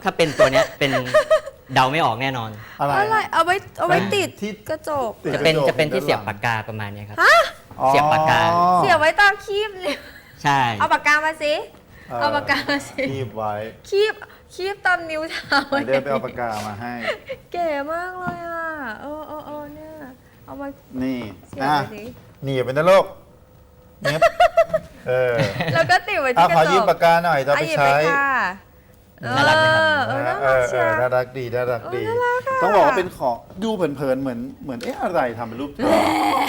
ถ้าเป็นตัวเนี้ยเป็นเดาไม่ออกแน่นอนอะไรอะไรเอาไว้ติดที่กระจกติดจะเป็นกรจกจะเป็นที่ด้านหลังเสียบปากกาประมาณเนี้ยครับอ๋อเสียบปากกาเสียบไว้ตามคีบเลยใช่เอาปากกามาสิเอาปากกามาสิคีบไว้คีบตามนิ้วเท้าเดี๋ยวไปเอาปากกามาให้เก๋มากเลยอ่ะเนี่ยเอามานี่เสียบอ่ะไว้สิหนีบเป็นนะลูกเนี้ยแล้วก็ติดไว้เอาที่กขอระจยืมกปากกาหน่อยจะอ่ะไปหยิบใช้ค่ะน่ารักเชียวน่ารักดีน่ารักดีน่ารักค่ะต้องบอกว่าเป็นของดูเผินๆเหมือนเอ๊ะอะไรทำเป็นรูปเธอ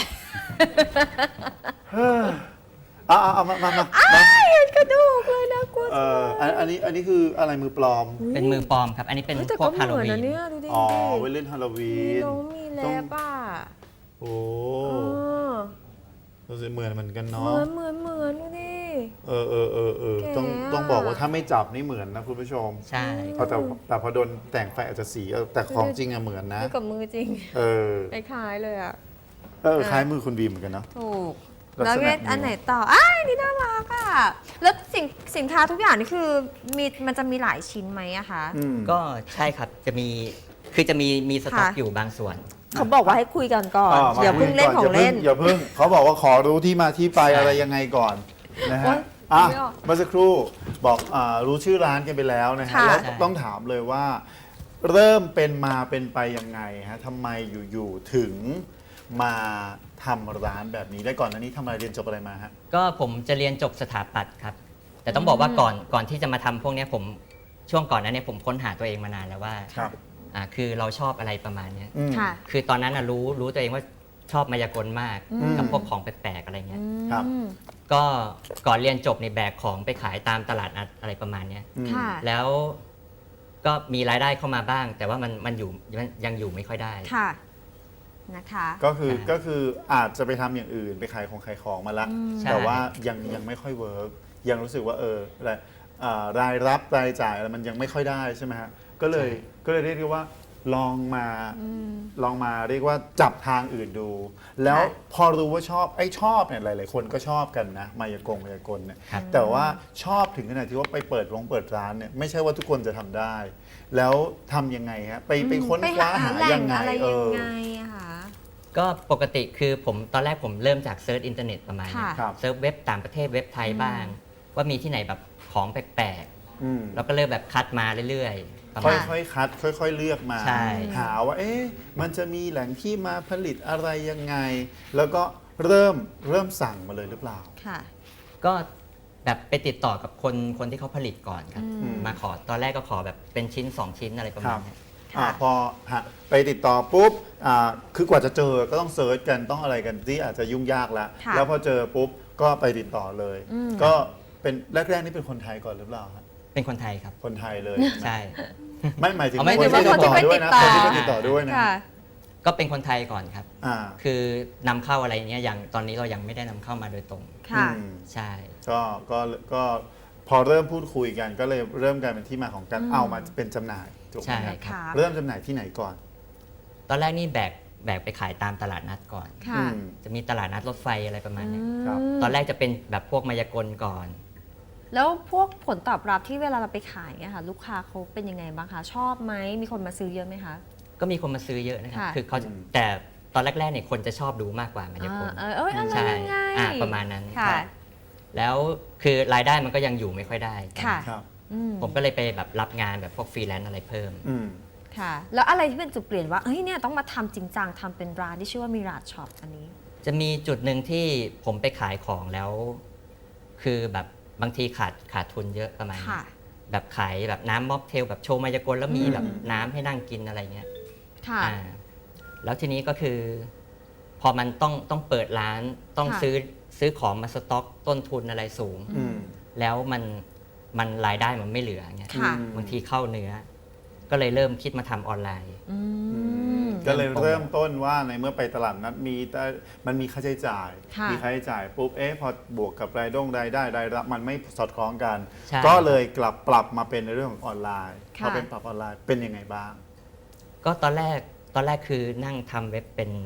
เอามาเห็นกระดูกเลยนะกลัวอันนี้คืออะไรมือปลอมเป็นมือปลอมครับ อันนี้เป็นแต่พวก็กเหฮาโลมือนวีนะนเนี่ยดูดิอ๋อไว้เล่นฮาโลวีมีนน้องมีแลบอ่ะโอ้เออรู้สึกเหมือนกันเนาะเหมือนดูดิเต้องแกอะต้องบอกว่าถ้าไม่จับนี่เหมือนนะคุณผู้ชมใช่แต่พอโดนแต่งไฟอาจจะสีแต่ของจริงอะเหมือนนะดูกับมือจริงเออคล้ายๆเลยอ่ะคล้ายมือคุณบีมเหมือนกันเนาะถูกลักษณะแล้วเนี่ยอันไหนต่อนี่น่ารักอ่ะ แล้วสินค้าทุกอย่างนี่คือมันจะมีหลายชิ้นไหมอะคะก็ใช่ครับจะมีสต็อกค่ะอยู่บางส่วนเขาบอกว่าให้คุยกันก่อนมาอย่าเพิ่งเล่นของเล่นอย่าเพิ่งเขาบอกว่าขอรู้ที่มาที่ไปอะไรยังไงก่อนนะโอ๊ฮะยไม่ออกเมื่อสักครู่บอกรู้ชื่อร้านกันไปแล้วนะฮะค่ะแล้วใช่ต้องถามเลยว่า เริ่มเป็นมาเป็นไปยังไงฮะทำไมอยู่ๆถึงมาทำร้านแบบนี้ได้ก่อนหน้านี้ทำอะไรเรียนจบอะไรมาฮะก็ผมจะเรียนจบสถาปัตย์ครับ แต่ต้องบอกว่าก่อนที่จะมาทำพวกเนี้ยผมช่วงก่อนนั้นเนี่ยผมค้นหาตัวเองมานานแล้วว่าครับคือเราชอบอะไรประมาณเนี้ยค่ะคือตอนนั้นรู้ตัวเองว่าชอบมายากลมาก กับพวกของแปลกๆอะไรเงี้ยครับก็ก่อนเรียนจบในแบกของไปขายตามตลาดนัดอะไรประมาณเนี้ยค่ะแล้วก็มีรายได้เข้ามาบ้าง แต่ว่ามันยังอยู่ไม่ค่อยได้ค่ะ นะคะก็คืออาจจะไปทำอย่างอื่นไปขายของมาละใช่แต่ว่ายังไม่ค่อยเวิร์กยังรู้สึกว่ารายรับรายจ่ายอะไรมันยังไม่ค่อยได้ใช่ไหมฮะก็เลยเรียกได้ว่าลองมาเรียกว่าจับทางอื่นดู แล้วพอรู้ว่าชอบเนี่ยหลายๆคนก็ชอบกันนะมายากลเนี่ยครับแต่ว่าชอบถึงขนาดที่ว่าไปเปิดร้านเนี่ยไม่ใช่ว่าทุกคนจะทำได้ แล้วทำยังไงฮะไปค้นคว้าหาแหล่ยังไงอะไรยังไงอะคะก็ปกติคือตอนแรกผมเริ่มจากเซิร์ชอินเทอร์เน็ตประมาณเนี้ยค่ะครับเซิร์ชเว็บต่างประเทศเว็บไทยบ้าง ว่ามีที่ไหนแบบของแปลกอืมๆแล้วก็เริ่มแบบคัดมาเรื่อยๆประค่มาณอยๆคัด ค่อยๆเลือกมาใช่หาว่ามันจะมีแหล่งที่มาผลิตอะไรยังไง แล้วก็เริ่มสั่งมาเลยหรือเปล่าค่ะก็แบบไปติดต่อกับคนที่เขาผลิตก่อนครับ มาขอตอนแรกก็ขอแบบเป็นชิ้น 2 ชิ้นอะไรประมาณเนี้ยค่ะพอไปติดต่อปุ๊บคือกว่าจะเจอก็ต้องเซิร์ชกันต้องอะไรกันที่อาจจะยุ่งยากแล้วค่ะแล้วพอเจอปุ๊บก็ไปติดต่อเลย ก็เป็นแรกๆนี่เป็นคนไทยก่อนหรือเปล่าฮะเป็นคนไทยครับคนไทยเลยใช่ไม่หมายถึงเอาไม่คนที่ถึงว่าติดต่อด้วยนะคคนนที่ที่ไปไปติติดดต่ต่ออด้วยนะค่ะก็เป็นคนไทยก่อนครับอ่าคือนำเข้าอะไรเนี้ยอย่างตอนนี้เรายังไม่ได้นำเข้ามาโดยตรงค่ะอืมใช่ก็พอเริ่มพูดคุยกันก็เลยเริ่มกลายเป็นที่มาของการเอามาเป็นจำหน่ายถูกไหมใช่ครับครับค่ะเริ่มจำหน่ายที่ไหนก่อนตอนแรกนี่แบกไปขายตามตลาดนัดก่อนค่ะอืมจะมีตลาดนัดรถไฟอะไรประมาณเนี้ยครับตอนแรกจะเป็นแบบพวกมายากลก่อนแล้วพวกผลตอบรับที่เวลาเราไปขายเนี่ยค่ะ ลูกค้าเขาเป็นยังไงบ้างคะ ชอบไหม มีคนมาซื้อเยอะไหมคะก็มีคนมาซื้อเยอะนะครับค่ะคือเขาแต่ตอนแรกๆเนี่ยคนจะชอบดูมากกว่ามายากลอะไรใช่ยังไงประมาณนั้นค่ะครับแล้วคือรายได้มันก็ยังอยู่ไม่ค่อยได้ค่ะครับผมก็เลยไปแบบรับงานแบบพวกฟรีแลนซ์อะไรเพิ่มอืมค่ะ แล้วอะไรที่เป็นจุดเปลี่ยนว่า เฮ้ย เนี่ยต้องมาทำจริงจังทำเป็นร้านที่ชื่อว่ามิราจช็อปอันนี้จะมีจุดหนึ่งที่ผมไปขายของแล้ว คือแบบบางทีขาดทุนเยอะประมาณนี้ค่ะแบบขายแบบน้ำม็อกเทลแบบโชว์มายากลแล้วมีแบบน้ำให้นั่งกินอะไรเงี้ยค่ะแล้วทีนี้ก็คือ พอมันต้องเปิดร้านต้องค่ะซื้อของมาสต็อกต้นทุนอะไรสูงอืมแล้วมันรายได้มันไม่เหลือเงี้ยค่ะบางทีเข้าเนื้อ ก็เลยเริ่มคิดมาทำออนไลน์อืมก็เลยเริ่มต้นว่าในเมื่อไปตลาดนัดมันมีค่าใช้จ่ายค่ะมีค่าใช้จ่ายปุ๊บพอบวกกับรายได้รายรับมันไม่สอดคล้องกันใช่ก็เลยปรับมาเป็นในเรื่องของออนไลน์ค่ะพอเป็นปรับออนไลน์เป็นยังไงบ้างก็ตอนแรกคือนั่งทำเว็บเป็นแบบ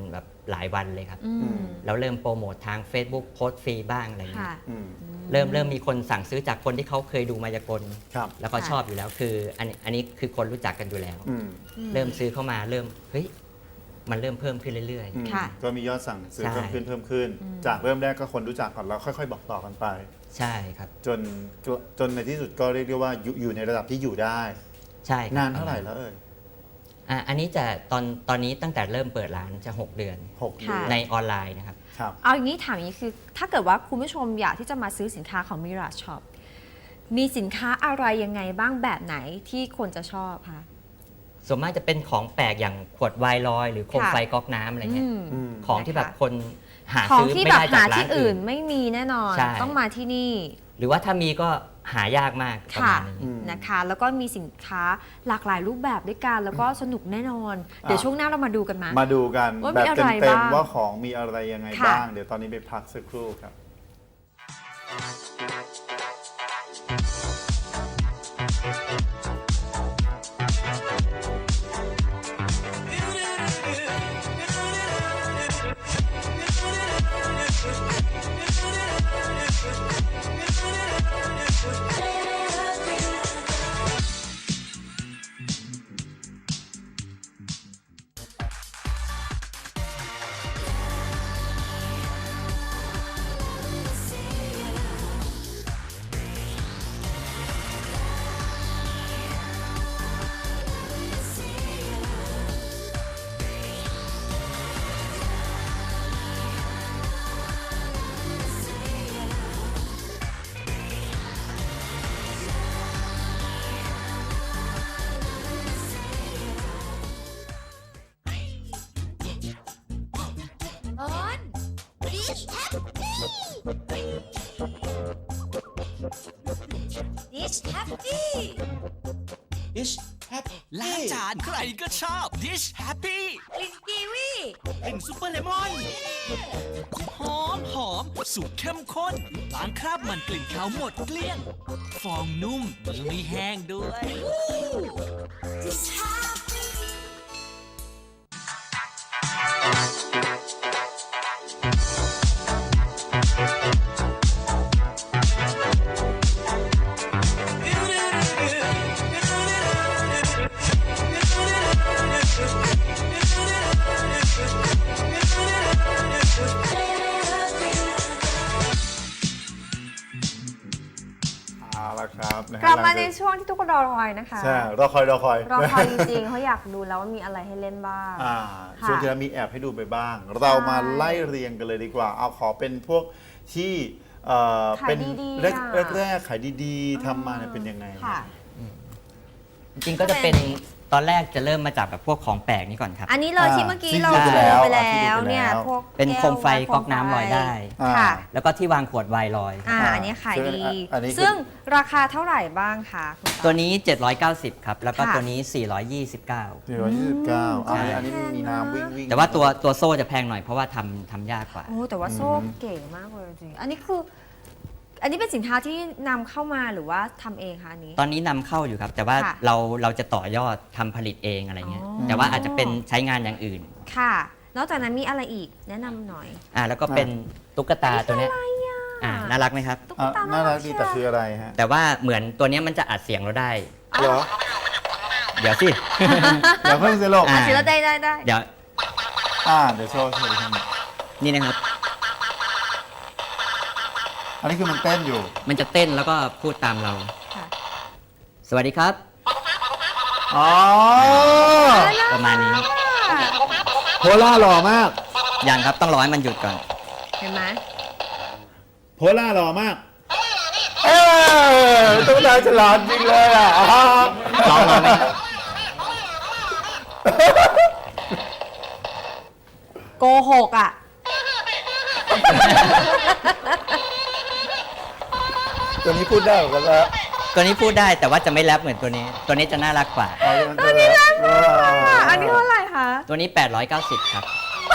หลายวันเลยครับอืมแล้วเริ่มโปรโมททาง Facebook โพสต์ฟรีบ้างอะไรเงี้ค่ะยอืมเริ่มมีคนสั่งซื้อจากคนที่เขาเคยดูมายากลครับแล้วก็ค่ะชอบอยู่แล้วคืออันนี้คือคนรู้จักกันอยู่แล้วอืมเริ่มซื้อเข้ามาเริ่มเฮ้ยมันเริ่มเพิ่มขึ้นเรื่อยอืมค่ะก็มียอดสั่งซื้อใช่เพิ่มขึ้น จากเริ่มแรกก็คนรู้จักก่อนแล้วค่อยๆบอกต่อกันไปๆ ใช่ครับจนในที่สุดก็เรียกได้ว่าอยู่ในระดับที่อยู่ได้ใช่ครับนานเท่าไหร่แล้วเอ่ยอันนี้จะตอนนี้ตั้งแต่เริ่มเปิดร้านจะ 6 เดือน 6 เดือนในออนไลน์นะครับครับเอาอย่างนี้ถามอย่างนี้คือ ถ้าเกิดว่าคุณผู้ชมอยากที่จะมาซื้อสินค้าของ Mirage Shop มีสินค้าอะไรยังไงบ้างแบบไหนที่คนจะชอบคะส่วนมากจะเป็นของแปลกอย่างขวดไวน์ลอย หรือโคมค่ะไฟก๊อกน้ำอะไรเงี้ยอืมของที่แบบคนหาของซื้อที่ไม่แบบได้จาหากร้าที่นอื่อื่นนไม่มีแน่นอนใช่ต้องมาที่นี่หรือว่าถ้ามีก็หายากมากประค่ะมาณนี้อืมนะคะ แล้วก็มีสินค้าหลากหลายรูปแบบด้วยกัน แล้วก็สนุกแน่นอน เดี๋ยวช่วงหน้าเรามาดูกันมามาดูกันว่าแบมีบอะไรเต็มบ้างๆว่าของมีอะไรยังไงค่ะบ้าง เดี๋ยวตอนนี้ไปพักสักครู่ครับ on Dish Happy Dish Happy ดิชแฮปล้างจานใครก็ชอบ Dish Happy กลิ่นกีวีกลิ่นซุปเปอร์เลมอน หอมสูตรเข้มข้นล้างคราบมันกลิ่นขาวหมดเกลี้ยง ฟองนุ่มมือไม่แห้งด้วย Dish Happy เอาละครับนะฮะกลับมาหในงจช่วงที่ทุกคนรอคอยนะคะใช่รอคอยรอคอยจริงๆเขาอยากดูแล้วว่ามีอะไรให้เล่นบ้างอ่าค่ะช่วงที่แล้วมีแอบให้ดูไปบ้าง เรามาไล่เรียงกันเลยดีกว่า เอาขอเป็นพวกที่ขายเป็นดีๆแรกอ่ะแรกขายดีๆทำมาเนี่ยเป็นยังไงค่ะจริงๆก็จะเป็นตอนแรกจะเริ่มมาจากแบบพวกของแปลกนี่ก่อนครับอันนี้เลยที่เมื่อกี้ที่เราดูโชไปแล้วว์ไปแล้ที่ดูวไปแล้วเนี่ยพวกเป็นโคมไฟแก้วก๊อกน้ำลอยได้อ่าค่ะแล้วก็ที่วางขวดไวน์ลอยครับอันนี้ขายดีอันนี้คือซึ่งราคาเท่าไหร่บ้างคะคุณตาตัวนี้ 790 ครับ แล้วก็ค่ะตัวนี้ 429 429อันนี้มีน้ำวิ่งแต่ว่าตัวโซ่จะแพงหน่อยเพราะว่าทำยากกว่าโอ้แต่ว่าโซ่เก๋มากเลยจริงๆอันนี้คือ อันนี้เป็นสินค้าที่นำเข้ามาหรือว่าทำเองคะอันนี้ตอนนี้นำเข้าอยู่ครับ แต่ว่าค่ะเราจะต่อยอดทำผลิตเองอะไรเงี้ยอ๋อแต่ว่าอาจจะเป็นใช้งานอย่างอื่นค่ะ นอกจากนั้นมีอะไรอีกแนะนำหน่อยแล้วก็เป็นตุ๊กตาตัวเนี้ยน่ารักไหมครับตุ๊กอ่ะตาน่ารักดีแต่คืออะไรฮะแต่ว่าเหมือนตัวเนี้ยมันจะอัดเสียงเราได้เดี๋ยวเดี๋ยวสิเดี๋ยวเพิ่งจะลงอ่ะศิลป์ได้เดี๋ยวเดี๋ยวโชว์ทำนี่นะครับอันนี้คือมันเต้นอยู่มันจะเต้นแล้วก็พูดตามเราค่ะสวัสดีครับอ๋อประมาณนี้โพล่าหล่อมากอย่างครับต้องรอให้มันหยุดก่อนเห็นไหมโพล่าหล่อมาก ต้องได้ฉลาดจริงเลยอ่ะลองไหมครับโกหกอ่ะตัวนี้พูดได้เหมือนกันแล้วตัวนี้พูดได้แต่ว่าจะไม่แรปเหมือนตัวนี้ ตัวนี้จะน่ารักกว่าตัวนี้น่ารักอันนี้เท่าไหร่คะตัวนี้ 890 ครับ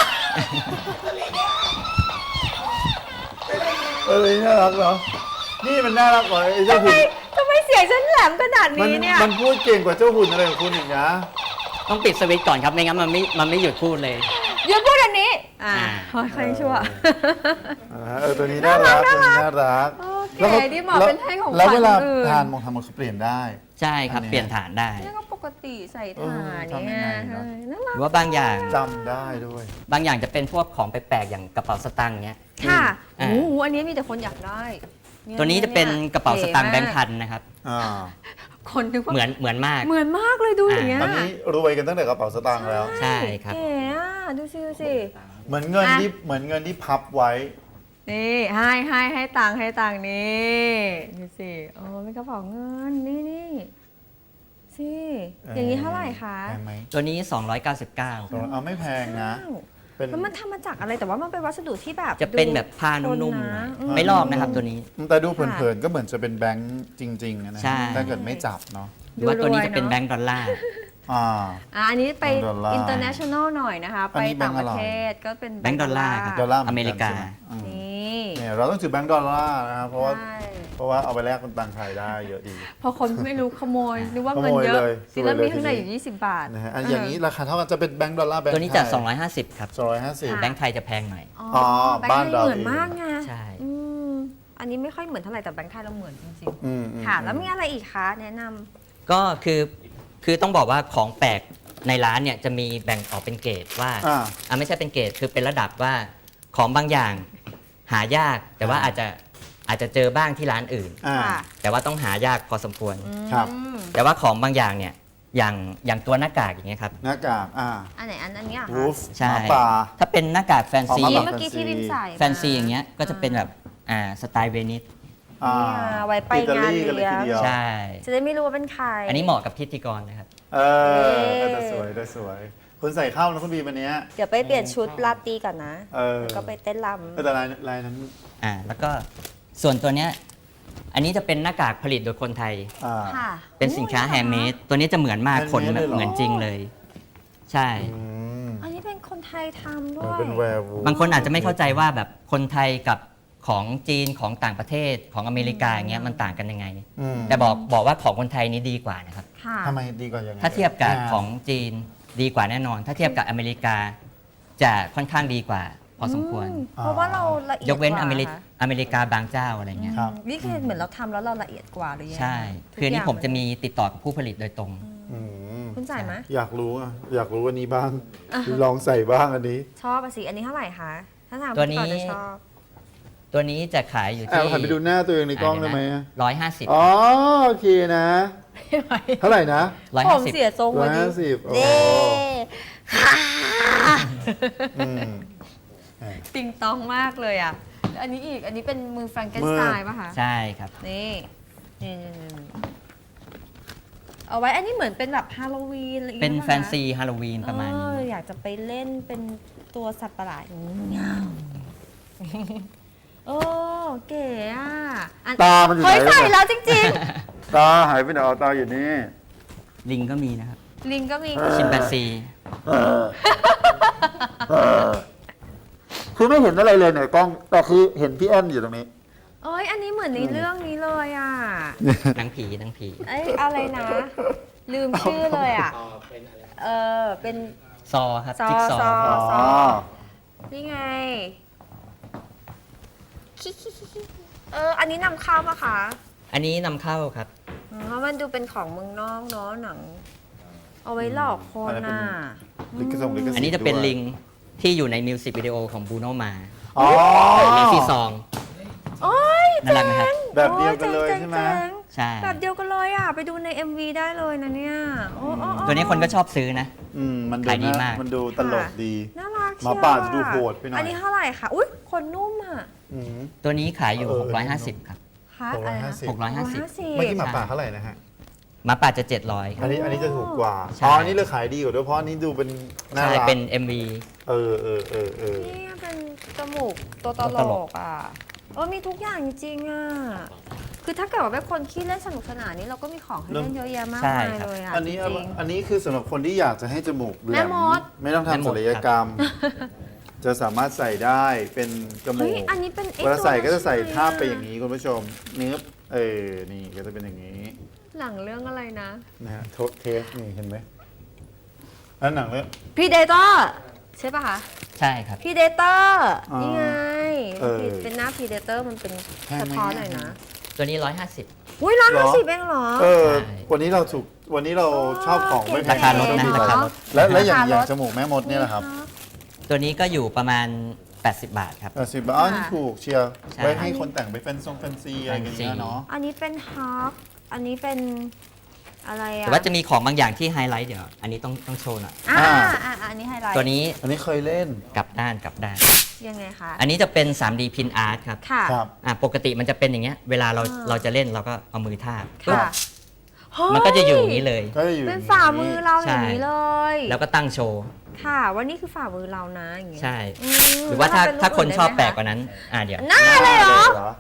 น่ารักเหรอ นี่มันน่ารักกว่าไอ้เจ้าหุ่นทำไมเสียงฉันแหลมขนาดนี้เนี่ยมันพูดเก่งกว่าเจ้าหุ่นอะไรของคุณอีกนะต้องปิดสวิตช์ก่อนครับไม่งั้นมันไม่หยุดพูดเลยอย่าพูดอันนี้อ่าอ่าค่อยๆชั่วตัวนี้น่ารักตัวนี้น่ารักโอเคนี่เหมาะเป็นให้ของขวัญแล้วเวลาคนอื่นทานมงทำมันคือเปลี่ยนได้ใช่ครับอันนี้เปลี่ยนฐานได้นี่ก็ปกติใส่ถ่านทำยัเนี่งยไงเนอะน่าหรักรือว่าบางอย่างจำได้ด้วยบางอย่างจะเป็นพวกของแปลกๆอย่างกระเป๋าสตางค์เนี้ยค่ะอ่าโอ้โหอันนี้มีแต่คนอยากได้ตัวนี้จะเป็นกระเป๋าสตางค์แบงค์พันนะครับอ่าคนนึกว่าเหมือนมากเหมือนมากเลยดูอย่างเงี้ยตอนนี้รวยกันตั้งแต่กระเป๋าสตางค์แล้วใช่ครับเก๋อ่ะดูสิดูสิเหมือนเงินอ่ะที่เหมือนเงินที่พับไว้นี่ให้ตังค์นี่ดูสิโอ้เป็นกระเป๋าเงินนี่สิอย่างนี้เท่าไหร่คะแพงไหมตัวนี้ 299 เอาไม่แพงนะ เป็นแล้วมันทำมาจากอะไรแต่ว่ามันเป็นวัสดุที่แบบจะเป็นแบบผ้านุ่มๆหน่อยไม่ลอกนะครับตัวนี้แต่ดูเผินๆก็เหมือนจะเป็นแบงค์จริงๆนะใช่ถ้าเกิดไม่จับเนาะหรือว่าตัวนี้จะเป็นแบงก์ดอลลาร์อ่าอันนี้ไปดอลลาร์ international หน่อยนะคะอันไปนี้แบต่าง งค์ปอะไรระเทศก็เป็นแบงก์ดอลลาร์ครับดอลลาร์หนนอเมริกาใช่ไหอืมนี่เนี่ยเราต้องถือแบงค์ดอลลาร์นะครับเพราะว่าใช่เอาไปแลกเป็นตังค์ไทยได้เยอะดีพอคนไม่รู้ขโมยนึกว่าเงินเยขอะโมยเลยจริงแล้วมีข้างในสวยเลยอยู่20 บาทนะฮะอันอย่างนี้ราคาเท่ากันจะเป็นแบงค์ดอลลาร์แบงค์ตัวนี้จะไทย 250 ครับ 250 แบงก์ไทยจะแพงหน่อยอ๋อบ้าบ้าน นเราเหมือนมากไงใช่อืมอันนี้ไม่ค่อยเหมือนเท่าไหร่แต่แบงค์ไทยเราเหมือนจริงอืมๆค่ะ แล้วมีอะไรอีกคะแนะนำก็คือต้องบอกว่าของแปลกในร้านเนี่ยจะมีแบ่งออกเป็นเกรดว่า ไม่ใช่เป็นเกรดคือเป็นระดับว่าของบางอย่างหายาก แต่ว่าอาจจะเจอบ้างที่ร้านอื่นอ่าค่ะแต่ว่าต้องหายากพอสมควรครับอืมแต่ว่าของบางอย่างเนี่ยอย่างตัวหน้ากากอย่างเงี้ยครับหน้ากากอันไหนอันนี้อ่ะวูฟใช่หมาป่าถ้าเป็นหน้ากากแฟนซีอ๋อนี่หาเมื่อกี้ที่บินใส่แฟนซีอย่างเงี้ยก็จะเป็นแบบสไตล์เวนิสเนี่ยไว้ไปอิตางานลีกันเลยเลี้ยทีงเดียวใช่จะได้ไม่รู้ว่าเป็นใครอันนี้เหมาะกับพิธีกรนะครับเออแต่สวยแต่สวยคุณใส่เข้านะคุณบีวันนี้เดี๋ยวไปเปลี่ยนชุดลาตรีก่อนนะเออแล้วก็ไปเต้นรำแต่ลายนั้นแล้วก็ส่วนตัวเนี้ยอันนี้จะเป็นหน้ากากผลิตโดยคนไทยค่ะเป็นสินค้าแฮนด์เมดตัวนี้จะเหมือนมาก handmade ขนแบบเลยเหรอเหมือนจริงเลย ใช่อืมอันนี้เป็นคนไทยทำด้วยเป็นแวร์วูฟบางคนอาจจะไม่เข้าใจว่าแบบคนไทยกับของจีนของต่างประเทศของอเมริกาอย่างเงี้ยมันต่างกันยังไงอืมแต่บอกว่าของคนไทยนี้ดีกว่านะครับค่ะทำไมดีกว่ายังไงถ้าเทียบกับของจีนดีกว่าแน่นอน ถ้าเทียบกับอเมริกาจะค่อนข้างดีกว่าพอสมควรเพราะว่าเราละเอียดยกเว้นว่าอเมริกาบางเจ้าอะไรเงี้ยครับนี่คือเหมือนเราทำแล้วเราละเอียดกว่าหรือยังไงใช่ทุกคืออนนี้ย่างผมจะมีติดต่อกับผู้ผลิตโดยตรงอืมคุณจ่ายไหมอยากรู้อันนี้บ้าง ลองใส่บ้างอันนี้ชอบอะสิอันนี้เท่าไหร่คะถ้าถามตัวนี้พี่ก่อจะชอบตัวนี้จะขายอยู่แอบที่หันไปดูหน้าตัวเองในกล้องได้ไหม 150 อ๋อโอเคนะ เท่าไหร่นะผมเสียทรงร้อวันยนี้ 50โอ้เย้ค่ะอืมติงตองมากเลยอ่ะแล้วอันนี้อีกอันนี้เป็นมือแฟรงเกนสไตน์ป่ะคะใช่ครับนี่เอาไว้อันนี้เหมือนเป็นแบบฮาโลวีนอะไรอย่างเป็เงี้นยแฟนซีฮาโลวีนประมาณนี้อยากจะไปเล่นเป็นตัวสัตว์ประหลาดอย่างนี้เงาโอ้เก๋อ่ะอันตามันอยู่ไหนเฮ้ยใส่แล้วจริงตาหายไปไหนเอาตาอยู่นี่ลิงก็มีนะครับๆ ลิงก็มีชิมแปนซีคือไม่เห็นอะไรเลยในกล้อง แต่คือเห็นพี่แอนอยู่ตรงนี้เอ้ยอันนี้เหมือนในเรื่องนี้เลยอ่ะหนังผีหนังผีเอ้ยอะไรนะ ลืมชื่อเลยอ่ะเป็นซอครับซอจิ๊กซอซออ๋อนี่ไงอันนี้นำเข้าปะคะอันนี้นำเข้าครับเพราะมันดูเป็นของเมืองนอกเนาะหนัง เอาไว้หลอกคนน่ะลิขสิทธิ์อันนี้จะเป็นลิงที่อยู่ในมิวสิกวิดีโอของบูโนมาอ๋อเลซี่ซองโอ้ยน่ารักไหมครับแบบเดียวกันเลยจ๋งใช่ไหมจ๋งใช่แบบเดียวกันเลยอ่ะ ไปดูใน MV ได้เลยนะเนี่ยโอ้โอ้โอ้ตัวนี้คนก็ชอบซื้อนะมันดูขายดีมากมันดูตลกดีน่ารักหมาป่าจะดูโหดไปหน่อยอันนี้เท่าไหร่คะอุ้ยคนนุ่มอ่ะอืมตัวนี้ขายอยู่เออ 650 ครับคะอะไรนะ 650 เมื่อกี้หมาป่าเท่าไหร่นะฮะหมาป่าจะ 700 คอัรันบนี้จะถูกกว่าใช่อ๋ออันนี้เลยขายดีกว่าด้วยเพราะอันนี้ดูเป็นน่าใช่รักเป็น MV เออนี่เป็นจมูกตัวตลตลกอ่ะมีทุกอย่างจริงๆอ่ะ คือถ้าเกิดว่าเป็นคนขี้เล่นสนุกสนานนี่เราก็มีของให้เล่นเยอะแยะมากใช่มายครับเลยอ่ะอันนี้จริงอันนี้คือสำหรับคนที่อยากจะให้จมูกแหลแม่มมดไม่ต้องแม่มทำดศัลยกรรม จะสามารถใส่ได้เป็นจๆมูเฮ้ยกอันนี้เป็นไอ้เวลาใส่ก็จะใส่ตัวทาบไปอย่างนี้คุณผู้ชมเนื้อนี่ก็จะเป็นอย่างนี้หลังเรื่องอะไรนะนะฮะเทสนี่เห็นไหมอันหนังเรื่องพีเดเตอร์ใช่ป่ะคะใช่ครับพีเดเตอร์อ๋อนี่ไงเออเป็นหน้าพีเดเตอร์มันเป็นแพงไหมสะท้อนหน่อยนะตัวนี้ 150 อุ้ย150เองเหรอเออใช่วันนี้เราชอบของไม่แพงราคาลดนะราคาลดและอย่างราคาลดจมูกแม่มดเนี่ยแหละครับตัวนี้ก็อยู่ประมาณ 80 บาทครับ 80 บาทอ๋อนี่ถูกเชียร์ใช่ไว้ให้คนแต่งไปแฟนซีอะไรกันเงี้ยเนาะอันนี้เป็นฮาร์ฟอันนี้เป็นอะไรอะแต่ว่าจะมีของบางอย่างที่ไฮไลท์เดี๋ยว อันนี้ต้องโชว์หน่อยอันนี้ไฮไลท์ตัวนี้อันนี้เคยเล่นกลับด้านยังไงคะอันนี้จะเป็น 3D Pin Art ครับค่ะครับปกติมันจะเป็นอย่างเงี้ย เวลาเราจะเล่นเราก็เอามือทาบปึ๊บค่ะมันก็จะอยู่อย่างนี้เลยก็จะอยู่เป็นฝ่ามือเราอย่างนี้ใช่เลยแล้วก็ตั้งโชว์ค่ะว่านี่คือฝ่ามือเรานะอย่างเงี้ยใช่อืมหรือว่าแล้วเรถ้าคนเป็ชอบรูปแปลกได้ไหมกว่านั้น เดี๋ยวหน้าเลยเหรอเหรอ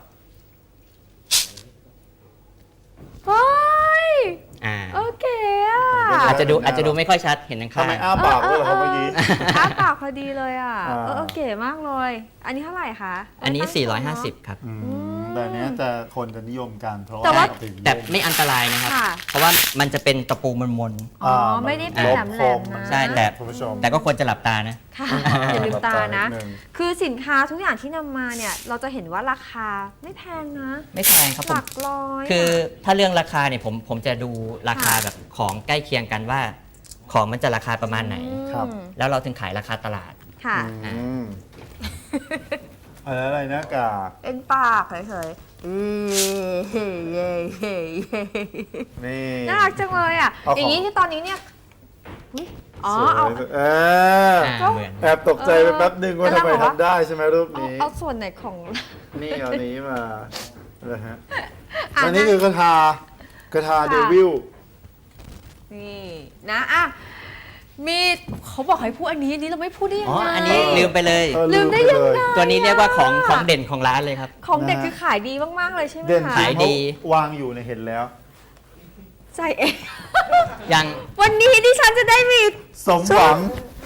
เฮ้ยอ่าโอเคอะอาจจะดูไม่ค่อยชัดเห็นข้างทำไมๆอ้าปากด้วยเหรอครับเมื่อกี้อ้าปากพอดีเลยอ่ะอ่าเก๋มากเลย อันนี้เท่าไหร่คะอันนี้ตั้งโชว์เนอะ 450 ครับแต่เนี้ยจะคนจะนิยมกันเพราะแต่ว่าถึงแต่ไม่อันตรายนะครับค่ะเพราะว่ามันจะเป็นตะปูมนอ๋อไม่ได้เป็นแหลมๆนะใช่แต่คุณผู้ชมๆแต่ก็ควรจะหลับตานะค่ะอย่าลืมตานะหลับตานิดนึงคือสินค้าทุกอย่างที่นำมาเนี่ย เราจะเห็นว่าราคาไม่แพงนะไม่แพงครับหผมลักร้อยคือถ้าเรื่องราคาเนี่ยผมจะดูราคาแบบของใกล้เคียงกันว่า ของมันจะราคาประมาณไหนครับแล้วเราถึงขายราคาตลาดค่ะอะไรหน้ากากเป็นปากเฉยๆเย้เย้เย้เย้นี่น่ารักจังเลยอ่ะเอาของอย่างนี้ที่ตอนนี้เนี่ยอุ๊ยอ๋อสวยเอาเหมือนแอบตกใจไปแป๊บนึงว่าทำไมทำได้ใช่ไหมรูปนี้เอาส่วนไหนของนี่เอานี้มาเลยฮะอ่ะอันนี้คือกระทาเดวิลนี่นะอ่ะมีเขาบอกให้พูดอันนี้เราไม่พูดได้ยังอ๋อไงอันนี้ลืมไปเลยลืมได้ยังไงตัวนี้เรียกว่าของเด่นของร้านเลยครับของเด็กคือขายดีมากๆเลยใช่ไหมเด่นคะขายดีวางอยู่ในเห็นแล้วใจเองยังวันนี้ดิฉันจะได้มีสมหวัง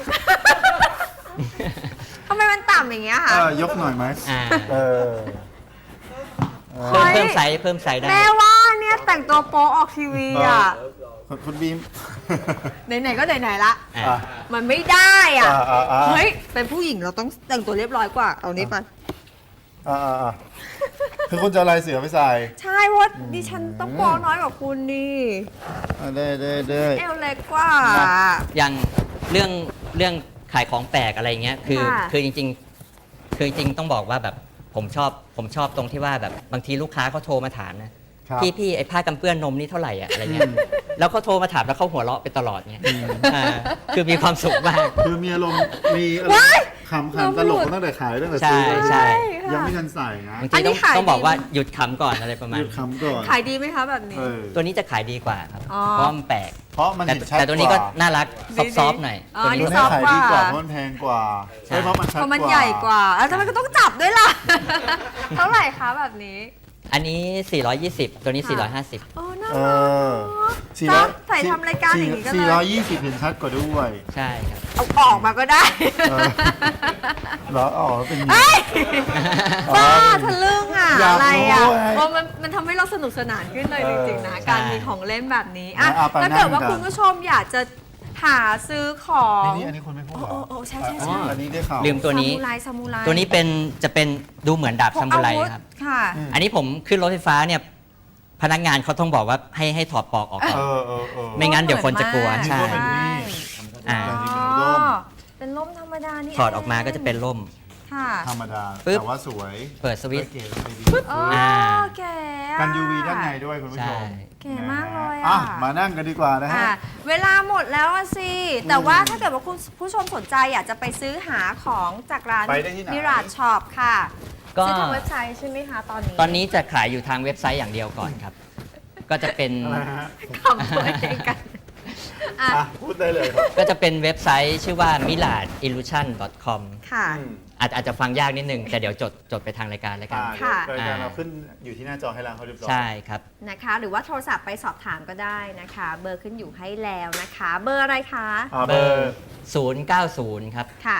ทำไมมันต่ำอย่างเงี้ยคะยกหน่อยไหมอ่าเออเฮ้ยเพิ่มไซส์ได้แม่ว่าเนี่ยแต่งตัวโป๊ออกทีวีอ่ะคุณบีมไหนๆก็ไหนๆละอ่าอ่ะมันไม่ได้อ่ะอ่ะเฮ้ย เป็นผู้หญิงเราต้องแต่งตัวเรียบร้อยกว่า เอานี้ไปอ่ะคือคุณจะเอาลายเสือไปใส่ใช่เพราะดิฉันต้องโป๊น้อยกว่าคุณนี่ได้เอวเล็กกว่าอย่างเรื่องขายของแปลกอะไรเงี้ยคือจริงต้องบอกว่าแบบผมชอบตรงที่ว่าแบบบางทีลูกค้าเขาโทรมาถามนะครับ พี่ไอ้ผ้ากันเปื้อนนมนี่เท่าไหร่อะอะไรเงี้ยแล้วเขาโทรมาถามแล้วเขาหัวเราะไปตลอดเงี้ยคือมีความสุขมากคือมีอารมณ์มีอะไรขำตลกตั้งแต่ขายตั้งแต่ซื้อใช่ยังไม่ทันใส่นะบางทีต้องบอกว่าหยุดขำก่อนอะไรประมาหณยุดขำก่อนขายดีไหมคะแบบนี้เออตัวนี้จะขายดีกว่าครับอ๋อเพราะมันแปลกเพราะมันเห็นชัดแต่ตัวนี้ก็ว่าน่ารักซอฟต์ๆหน่อยอ๋อตัวนี่นี้ตัวซนี้อฟต์ขายกว่าดีกว่าเพราะมันแพงกว่าใช่ใช่เพราะมันชัดเพราะมันใหญ่กว่าแล้วทำไมก็ต้องจับด้วยล่ะ เท่าไหร่คะแบบนี้อันนี้ 420 ตัวนี้ 450 โอ้น่าเอรักอ400 ใส่ทำรายการอย่างนี้ก็เลย 420เห็นชัดกว่าด้วยใช่ครับเอาออกมาก็ได้เออ เหรออ๋อเป็นอย่างเอ้นี้ยบ้าทะลึ่งอ่ะอยากอะไรอ่ะรู้ไงโอ้มันทำให้เราสนุกสนานขึ้นเลยจริงๆนะใช่การมีของเล่นแบบนี้อ่ะเอาไปถ้าเกิดว่านั่งกันคุณผู้ชมอยากจะหาซื้อของนี่อันนี้คนไม่พูดเหรอโอ้ใช่อันนี้ได้ข่าวลืมตัวนี้ซามูไรตัวนี้จะเป็นดูเหมือนดาบซามูไรครับค่ะอันนี้ผมขึ้นรถไฟฟ้าเนี่ยพนักงานเขาต้องบอกว่าให้ถอดปลอกออกก่อนเออไม่งั้นเดี๋ยวคนจะกลัวนี่ใช่ก็เป็นมีดอ่าแต่จริงอ๋ๆเป็นร่มอเป็นร่มธรรมดานี่ถอดออกมาก็จะเป็นร่มค่ะธรรมดาปึ๊บแต่ว่าสวยเปิดสวิตช์เก๋เลยดีอ๋ออ่าแก่อะกัน UV ด้านในด้วยคุณผู้ชใช่มเก๋มากเลยอ่ะอ่ะมานั่งกันดีกว่านะฮะอ่ะเวลาหมดแล้วอะสิ แต่ว่าถ้าเกิดว่าคุณผู้ชมสนใจอยากจะไปซื้อหาของจากร้านไปได้ที่ไหนมิราชช็อปค่ะก็ซื้อทางเว็บไซต์ใช่ไหมคะตอนนี้ตอนนี้จะขายอยู่ทางเว็บไซต์อย่างเดียวก่อนครับ ก็จะเป็นอะไรฮะคำตัวเองกันอ่ะอ่ะพูดได้เลยครับก็จะเป็นเว็บไซต์ชื่อว่า miladillusion.com ค่ะอาจจะฟังยากนิดนึง แต่เดี๋ยวจดไปทางรายการแล้วกันค่ะรายการเราขึ้นอยู่ที่หน้าจอให้แล้วเขาเรียบร้อยใช่ครับนะคะ หรือว่าโทรศัพท์ไปสอบถามก็ได้นะคะ เบอร์ขึ้นอยู่ให้แล้วนะคะ เบอร์อะไรคะเบอร์ 090 ครับค่ะ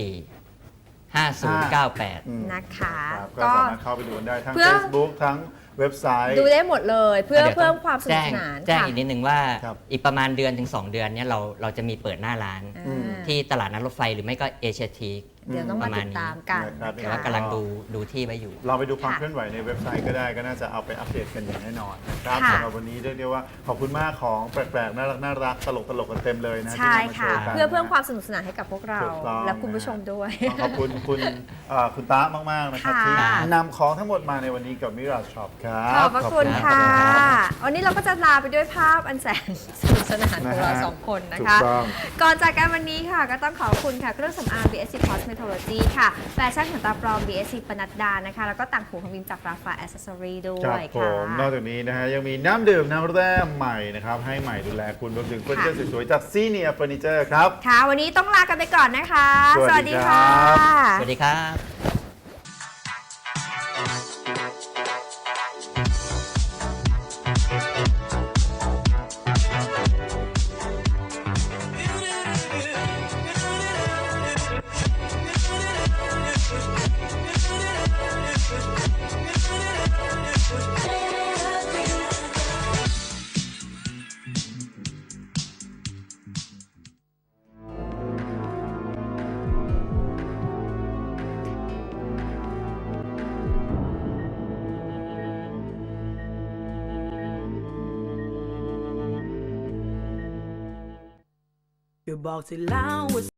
914 5098 อืมนะคะครับก็ก็สามารถเข้าไปดูกันได้ทั้งเพื่อ Facebook ทั้งเว็บไซต์ดูได้หมดเลยเพื่อดี๋ยเพิ่มความสนุกสนานแจ้งค่ะอีกนิดนึงว่าครับอีกประมาณเดือนถึง 2 เดือนเนี่ยเราจะมีเปิดหน้าร้านอ่าที่ตลาดนัดรถไฟหรือไม่ก็เอเชียทีเดี๋ยวต้องมาติดตามกันนะครับแต่ว่ากำลังดูที่ไว้อยู่เราไปดูความค่ะเคลื่อนไหวในเว็บไซต์ก็ได้ก็น่าจะเอาไปอัปเดตกันอย่างแน่นอนนะครับค่ะสำหรับวันนี้เรียกได้ว่าขอบคุณมากของแปลกๆน่ารักตลกกันเต็มเลยนะใช่ที่นำมาโชค่ะว์กันเพื่อเพิ่มความสนุกสนานให้กับพวกเราถูกต้องและคุณผู้ชมด้วยขอบคุณคุณตามากๆนะครับค่ะที่นำของทั้งหมดมาในวันนี้กับมิราช็อปครับขอบพระคุณรัค่ะรับวันนี้เราก็จะลาไปด้วยภาพอันแสนสนุกสนานของเรานะฮะสองคนนะถูคะกต้องก่อนจากกันวันนี้ค่ะ ก็ต้องขอบคุณค่ะ เครื่องสำอาง BSC Cosmetology ค่ะ แฟชั่นขนตาปลอม BSC ปนัดดานะคะ แล้วก็ต่างหูของวิมจากราฟาแอสเซสซอรี่ด้วครับยผค่ะมนอกจากนี้นะฮะยังมีน้ำดื่มน้ำแร่ใหม่นะครับให้ใหม่ดูแลคุณรวมถึงเฟอร์นิเจอร์สวยๆจากซีเนียเฟอร์นิเจอร์ครับค่ะ วันนี้ต้องลากันไปก่อนนะคะสวัสดีครับสวัสดีครับก็บอกเธอแล้วว่า